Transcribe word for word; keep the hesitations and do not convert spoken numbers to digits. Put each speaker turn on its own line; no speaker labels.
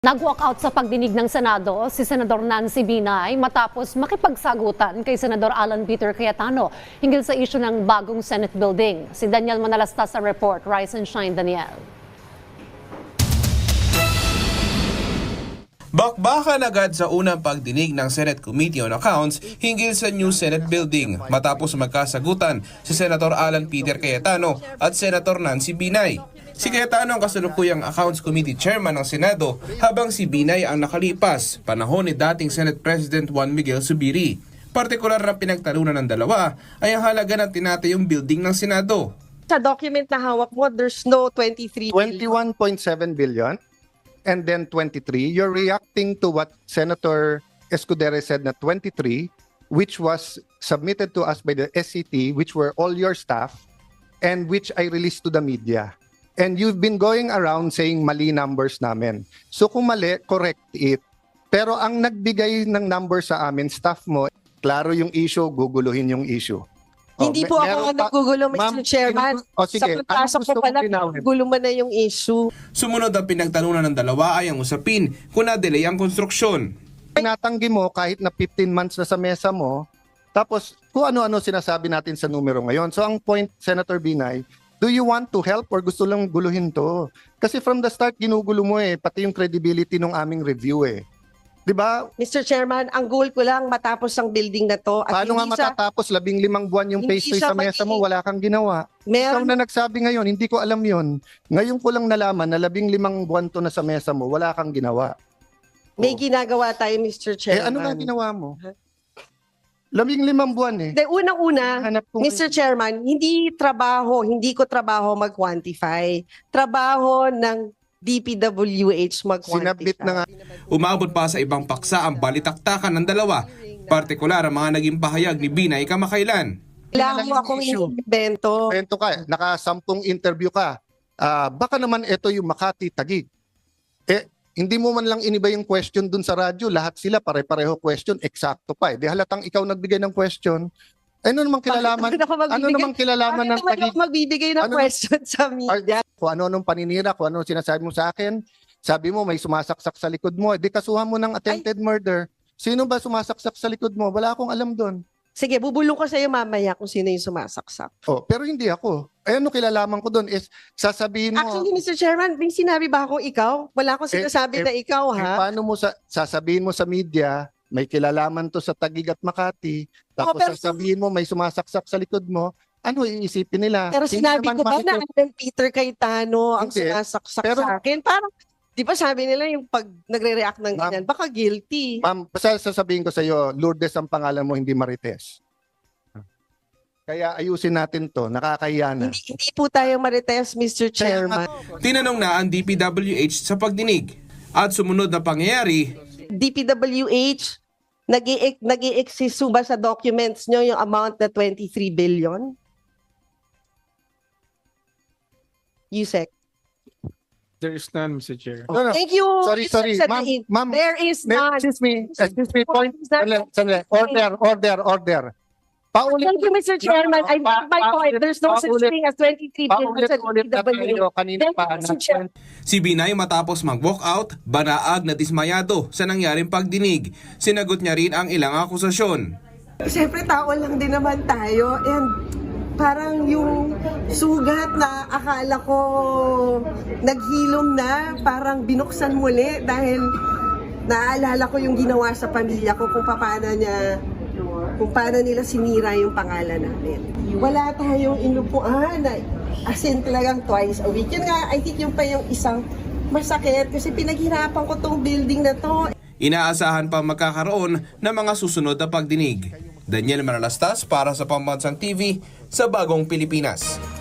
Nag-walk out sa pagdinig ng Senado si Senador Nancy Binay matapos makipagsagutan kay Senador Alan Peter Cayetano hinggil sa isyu ng bagong Senate building. Si Daniel Manalastas sa report. Rise and shine, Daniel.
Bakbakan agad sa unang pagdinig ng Senate Committee on Accounts hinggil sa new Senate building matapos magkasagutan si Senator Alan Peter Cayetano at Senator Nancy Binay. Si Cayetano ang kasalukuyang Accounts Committee Chairman ng Senado habang si Binay ang nakalipas, panahon ni dating Senate President Juan Miguel Zubiri. Partikular na pinagtalunan ng dalawa ay ang halaga ng tinatayong building ng Senado.
Sa document na hawak mo, there's no twenty-three billion.
twenty-one point seven billion and then twenty-three. You're reacting to what Senator Escudero said na twenty-three, which was submitted to us by the S C T, which were all your staff, and which I released to the media. And you've been going around saying mali numbers namin. So kung mali, correct it. Pero ang nagbigay ng numbers sa amin, staff mo, klaro yung issue, guguluhin yung issue.
Hindi
Oh,
po
me-
ako
meron
ang
pa-
nagugulo,
Ma'am,
Mister Chairman.
inu- o sige,
sa pagpasok
anong gusto
ko pala,
mong linawin?
gulo mo na yung issue.
Sumunod ang pinagtalunan ng dalawa ay ang usapin kung na-delay ang konstruksyon.
Tinatanggi mo kahit na fifteen months na sa mesa mo, tapos kung ano-ano sinasabi natin sa numero ngayon. So ang point, Senator Binay, do you want to help or gusto lang guluhin to? Kasi from the start, ginugulo mo eh, pati yung credibility ng aming review eh. Di ba?
Mister Chairman, ang goal ko lang matapos ang building na to. At
Paano nga
hindi sa,
matatapos labing limang buwan yung
hindi
pastry
siya
sa mesa mo,
pati-
wala kang ginawa. Ikaw
meron,
na nagsabi ngayon, hindi ko alam yon. Ngayon ko lang nalaman na labing limang buwan to na sa mesa mo, wala kang ginawa.
may ginagawa tayo, Mister
Eh
Chairman.
ano nga ginawa mo? Labing limang buwan eh.
De, unang-una,
Hanap ko
Mister Chairman, hindi trabaho, hindi ko trabaho mag-quantify. Trabaho ng D P W H mag-quantify.
Sinabit na nga.
Umabot pa sa ibang paksa ang balitaktakan ng dalawa, partikular ang mga naging pahayag ni Binay kamakailan.
Kailangan mo akong
Issue.
invento.
Kwento ka, nakasampung interview ka. Ah, baka naman ito yung Makati Taguig. Eh, hindi mo man lang iniba yung question dun sa radyo. Lahat sila pare-pareho question, eksakto pa eh. Di halatang ikaw nagbigay ng question. Ano namang kilalaman?
Bakit ako magbibigay-
Ano namang kilalaman
Bakit
ng
naman
Taguig?
ako magbibigay ng
Ano-
question sa media?
Kung ano-anong paninira, kung ano sinasabi mo sa akin, sabi mo may sumasaksak sa likod mo. Di kasuhan mo ng attempted murder. Sino ba sumasaksak sa likod mo? Wala akong alam doon.
Sige, bubulong ko sa iyo mamaya kung sino yung sumasaksak.
Oh, pero hindi ako. Eh, ano kilalaman ko doon is sasabihin mo.
Actually, Mister Chairman, may sinabi ba akong ikaw? Wala akong
Eh,
sinasabi
eh,
na ikaw,
Eh,
ha?
paano mo sa, sasabihin mo sa media, may kilalaman to sa Taguig at Makati, tapos
Oh, pero-
sasabihin mo may sumasaksak sa likod mo, ano iisipin nila?
Pero
Hindi
sinabi
naman
ko ba na
makikita-
Alan Peter Cayetano ang
Hindi.
sumasaksak
Pero-
sa akin? Parang, di ba sabi nila yung pag nagre-react ng
Ma'am-
ganyan, baka guilty.
Ma'am, basta sasabihin ko sa iyo, Lourdes ang pangalan mo, hindi Marites. Kaya ayusin natin to, nakakahiya na.
Hindi, hindi po tayo marites, Mister
Kaya
Chairman.
Tinanong na ang D P W H sa pagdinig at sumunod na pangyayari,
D P W H, nag-i-exist ba sa documents nyo yung amount na twenty-three billion? Yusek.
There is none, Mister Chair.
No, no.
Thank you.
Sorry,
Mister
sorry. Ma'am,
Sadain.
ma'am,
There is
may-
none.
excuse me, excuse me, point.
Is that-
Sandali, sandali. Order, order, order. Paulit,
Thank you, Mister Chairman. I
Pa-
make my point. There's no such
paulit-
thing as twenty-three billion sa
paulit-ulit na
D P W H.
tayo kanina
Thank
pa.
you, Mister Chair.
si Binay matapos mag-walk out, banaag na dismayado sa nangyaring pagdinig. Sinagot niya rin ang ilang akusasyon.
Siyempre, tao lang din naman tayo. And parang yung sugat na akala ko naghilom na, parang binuksan muli dahil naaalala ko yung ginawa sa pamilya ko kung paano niya kung paano nila sinira yung pangalan namin. Wala tayong inupuan na as in talagang twice a week. Yun nga, I think yung pa yung isang masakit kasi pinaghirapan ko tong building na to.
Inaasahan pa magkakaroon ng mga susunod na pagdinig. Daniel Manalastas para sa Pambansang T V sa Bagong Pilipinas.